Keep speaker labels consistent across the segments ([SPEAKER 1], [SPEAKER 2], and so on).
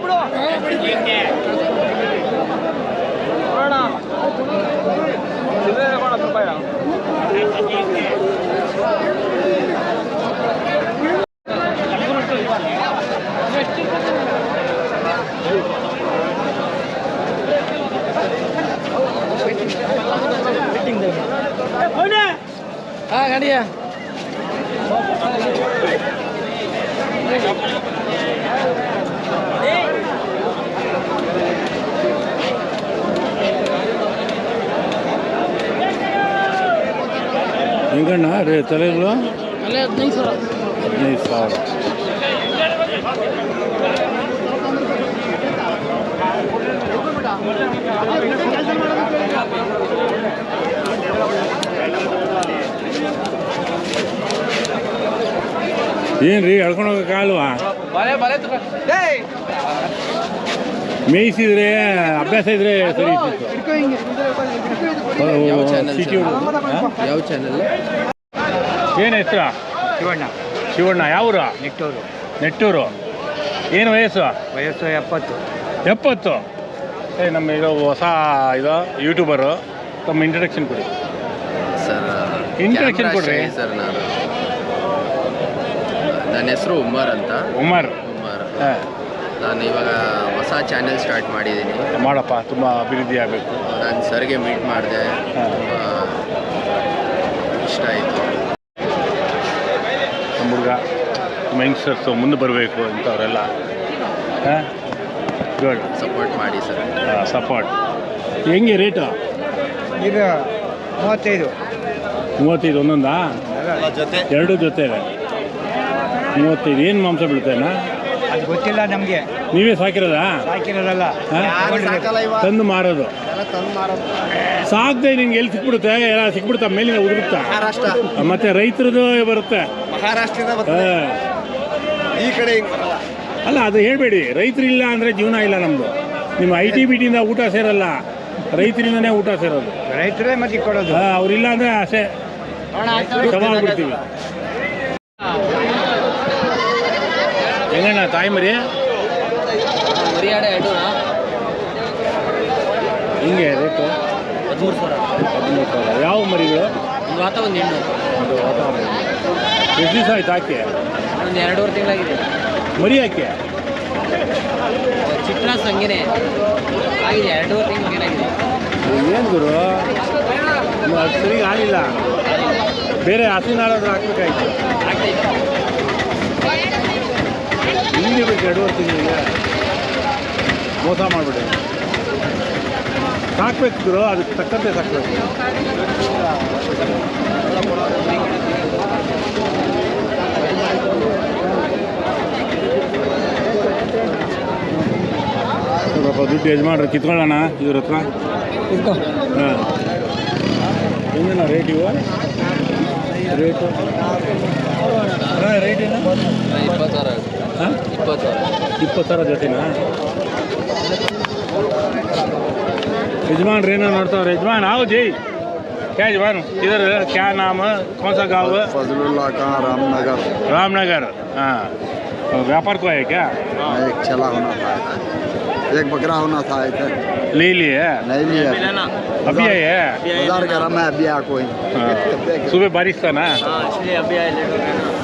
[SPEAKER 1] हाँ गाड़िया
[SPEAKER 2] ಹೆಂಗಣ್ಣ ರೇ ತಲೆಗಳು
[SPEAKER 1] ಅಲ್ಲೇ 15,000
[SPEAKER 2] ಏನ್ರಿ ಎಳ್ಕೊಂಡು ಹೋಗಕ್ಕಾಗಲ್ವಾ? ಮೇಯಿಸಿದ್ರೆ ಅಭ್ಯಾಸ ಇದ್ರೆ ಸರಿ
[SPEAKER 1] ಯಾವ ಚಾನಲ್?
[SPEAKER 2] ಏನು ಹೆಸರು?
[SPEAKER 1] ಶಿವಣ್ಣ.
[SPEAKER 2] ಶಿವಣ್ಣ. ಯಾವೂರು?
[SPEAKER 1] ನೆಟ್ಟೂರು.
[SPEAKER 2] ನೆಟ್ಟೂರು. ಏನು ವಯಸ್ಸು?
[SPEAKER 1] 70.
[SPEAKER 2] ನಮ್ಮ ಇದು ಹೊಸ ಇದು ಯೂಟ್ಯೂಬರು. ತಮ್ಮ ಇಂಟ್ರಡಕ್ಷನ್ ಕೊಡಿ
[SPEAKER 3] ಸರ್.
[SPEAKER 2] ಇಂಟ್ರಡಕ್ಷನ್ ಕೊಡ್ರಿ
[SPEAKER 3] ಸರ್. ನನ್ನ ಹೆಸರು ಉಮರ್ ಅಂತ.
[SPEAKER 2] ಉಮರ್.
[SPEAKER 3] ಹಾಂ. ನಾನು ಇವಾಗ ಹೊಸ ಚಾನೆಲ್ ಸ್ಟಾರ್ಟ್ ಮಾಡಿದ್ದೀನಿ.
[SPEAKER 2] ಮಾಡಪ್ಪ, ತುಂಬ ಅಭಿವೃದ್ಧಿ ಆಗಬೇಕು.
[SPEAKER 3] ನಾನು ಸರ್ಗೆ ಮೀಟ್ ಮಾಡಿದೆ, ತುಂಬ ಇಷ್ಟ ಆಯಿತು.
[SPEAKER 2] ನಮ್ಮ ಹುಡುಗ ನಮ್ಮ ಯಂಗ್ಸ್ಟರ್ಸು ಮುಂದೆ ಬರಬೇಕು ಇಂಥವರೆಲ್ಲ. ಹಾಂ, ಗುಡ್.
[SPEAKER 3] ಸಪೋರ್ಟ್ ಮಾಡಿ ಸರ್.
[SPEAKER 2] ಸಪೋರ್ಟ್. ಹೆಂಗೆ ರೇಟು?
[SPEAKER 1] ಈಗ
[SPEAKER 2] 35 ಒಂದೊಂದಾ? ಎರಡು ಜೊತೆ ಇದೆ 35. ಏನು ಮಾಂಸ ಬೀಳ್ತೇನಾ?
[SPEAKER 1] ಅದು ಗೊತ್ತಿಲ್ಲ ನಮಗೆ.
[SPEAKER 2] ನೀವೇ ಸಾಕಿರೋದಾ?
[SPEAKER 1] ಸಾಕಿರೋದಲ್ಲ,
[SPEAKER 2] ತಂದು ಮಾರೋದು. ಸಾಕ್ದೆ ನಿಂಗೆ ಎಲ್ಲಿ ಸಿಕ್ಬಿಡುತ್ತೆ? ಎಲ್ಲ ಸಿಕ್ಬಿಡುತ್ತಾ? ಮೇಲಿನ ಉದುರುತ್ತಾ? ಮತ್ತೆ ರೈತರದು ಬರುತ್ತೆ.
[SPEAKER 3] ಈ ಕಡೆ
[SPEAKER 2] ಅಲ್ಲ, ಅದು ಹೇಳಬೇಡಿ. ರೈತರಿಲ್ಲ ಅಂದರೆ ಜೀವನ ಇಲ್ಲ ನಮ್ಮದು. ನಿಮ್ಮ IT-BTಯಿಂದ ಊಟ ಸೇರಲ್ಲ, ರೈತರಿಂದನೇ ಊಟ ಸೇರೋದು.
[SPEAKER 1] ರೈತರೇ ಮತ್ತೆ ಕೊಡೋದು.
[SPEAKER 2] ಅವರಿಲ್ಲ ಅಂದರೆ ಆಸೆ ಸವಾಲ್ಬಿಡ್ತೀವಿ. ಹೆಂಗಣ್ಣ ತಾಯಿ ಮರಿ? ಹಿಂಗೆ ರೇಟು 13,000. ಯಾವ ಮರಿಗಳು?
[SPEAKER 1] ಒಂದು ಹೆಣ್ಣು.
[SPEAKER 2] ಎಷ್ಟು ದಿವಸ ಆಯ್ತು ಹಾಕಿ?
[SPEAKER 1] ಒಂದು 2.5 ತಿಂಗಳಾಗಿದೆ.
[SPEAKER 2] ಮರಿ ಹಾಕಿ?
[SPEAKER 1] ಚಿಟ್ರಾಸ್ ಹಂಗೇನೆ ಆಗಿದೆ, 2.5 ತಿಂಗಳಾಗಿದೆ.
[SPEAKER 2] ಏನು ಗುರು, ಅದು ಸರಿ ಆಗಿಲ್ಲ. ಬೇರೆ ಹಸುನಾಳಾದ್ರೂ ಹಾಕ್ಬೇಕಾಯ್ತು. ಹಿಂಗೆ ಬೇಕು 2.5 ತಿಂಗಳಿಗೆ. ಮೋಸ ಮಾಡಿಬಿಡಿ. ಸಾಕ್ಬೇಕು ಗುರು, ಅದಕ್ಕೆ ತಕ್ಕಂತೆ ಸಾಕ್ಬೇಕು. ಸ್ವಲ್ಪ ದುಡ್ಡು ಯಜಮಾನ್ರು ಕಿತ್ಕೊಳ್ಳೋಣ ಇವ್ರ ಹತ್ರ. ಹಾಂ, ಹೆಂಗಣ್ಣ ರೇಟ್ ಇವು? ರೇಟು ರೇಟ್ ಏನು?
[SPEAKER 3] 20,000.
[SPEAKER 2] ಹಾಂ, 20,000 ಜೊತೆನಾ? यजमान रहना नड़ता है। यजमान आओ जी। क्या यजमान इधर क्या नाम है, कौन सा गाँव है?
[SPEAKER 4] फजलुल्लाह कहाँ? रामनगर।
[SPEAKER 2] रामनगर। हाँ, व्यापार को है क्या?
[SPEAKER 4] एक चला होना था, एक बकरा होना था।
[SPEAKER 2] ले लिए?
[SPEAKER 4] नहीं लिया,
[SPEAKER 2] अभी आए है?
[SPEAKER 4] बाजार गरम है, अभी आ कोई।
[SPEAKER 2] सुबह बारिश था ना,
[SPEAKER 1] इसलिए अभी आए, लेट हो गया ना।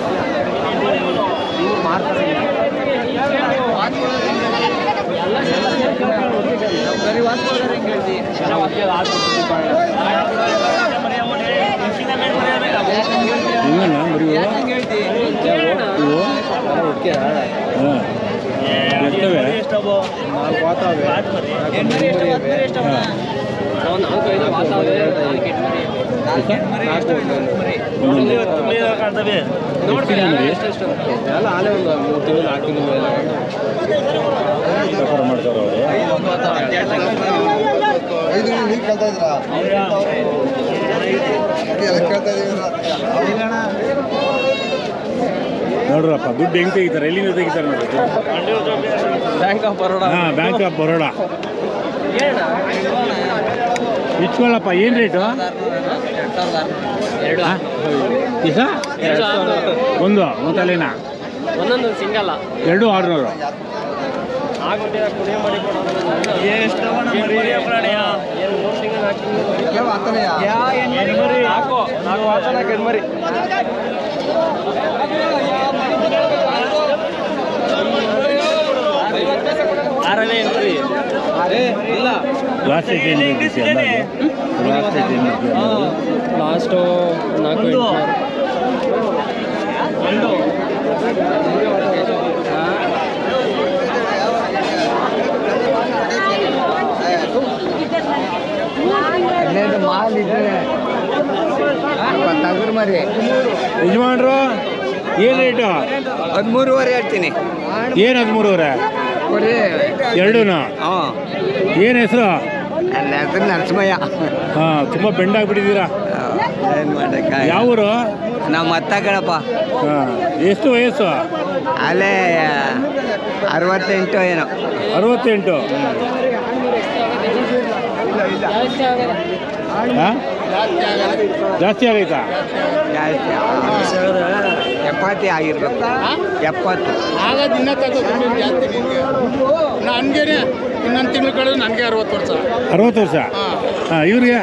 [SPEAKER 2] ಹೆಂಗಣ್ಣ ಮರಿ ಇವು? ಎಷ್ಟವೆ? ವ್ಯಾಪಾರ ಮಾಡ್ತಾರೆ ಅವರು. ನೋಡ್ರಪ್ಪ, ದುಡ್ಡು ಹೆಂಗೆ ತೆಗಿತಾರೆ, ಎಲ್ಲಿಂದ ತೆಗಿತಾರೆ ನೋಡಿ.
[SPEAKER 1] Bank of Baroda.
[SPEAKER 2] ಹಾಂ, ಬ್ಯಾಂಕ್ ಆಫ್ ಬರೋಡಾ. ಇಟ್ಕೊಳ್ಳಪ್ಪ. ಏನು ರೇಟು? ಈಗ ಒಂದು ತಲೆನಾ?
[SPEAKER 1] ಒಂದೊಂದು ಸಿಂಗಲ್ಲ.
[SPEAKER 2] 2,600. ಲಾಸ್ಟ್ ಏಟ್ ಏನು ಲಾಸ್ಟ್ ಏಟ್ ಏನು
[SPEAKER 1] ಲಾಸ್ಟು 4 ಮಾಲ್ ಇದ್ರೆ ತಗರು ಮರಿ
[SPEAKER 2] ಯಜಮಾನ್ರು ಏನು ರೇಟು?
[SPEAKER 1] 13.5 ಹೇಳ್ತೀನಿ.
[SPEAKER 2] ಏನು 13.5 ಎರಡೂ?
[SPEAKER 1] ಹಾಂ,
[SPEAKER 2] ಏನು ಹೆಸರು?
[SPEAKER 1] ನನ್ನ ಹೆಸರು ನರಸಿಂಹಯ್ಯ.
[SPEAKER 2] ಹಾಂ, ತುಂಬ ಬೆಂಡಾಗ್ಬಿಟ್ಟಿದ್ದೀರಾ.
[SPEAKER 1] ಏನು ಮಾಡೋಕ್ಕ?
[SPEAKER 2] ಯಾವ ಊರು?
[SPEAKER 1] ನಾವು ಮತ್ತ ಕಣಪ್ಪ.
[SPEAKER 2] ಹಾಂ, ಎಷ್ಟು ವಯಸ್ಸು?
[SPEAKER 1] ಅಲ್ಲೇ 68 ಏನೋ.
[SPEAKER 2] 68. ಹಾಂ, ಜಾಸ್ತಿ ಆಗೈತಾ?
[SPEAKER 1] ಜಾಸ್ತಿ 70 ಆಗಿರ್ಬೇಕು. 70
[SPEAKER 5] ಆಗೋದು ಇನ್ನೂ ತಗೋ ಜಾಸ್ತಿ ನಿನಗೆ. ನನಗೇನೆ ಇನ್ನೊಂದು ತಿಂಗಳು ಕಳೆದು ನನಗೆ 60 ವರ್ಷ.
[SPEAKER 2] 60 ವರ್ಷ? ಹಾಂ, ಇವ್ರಿಗೆ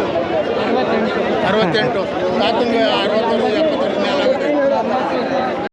[SPEAKER 5] 68. ತಾತಂಗೆ 60 ವರ್ಷ 70 ವರ್ಷ ಮೇಲೆ ಆಗುತ್ತೆ.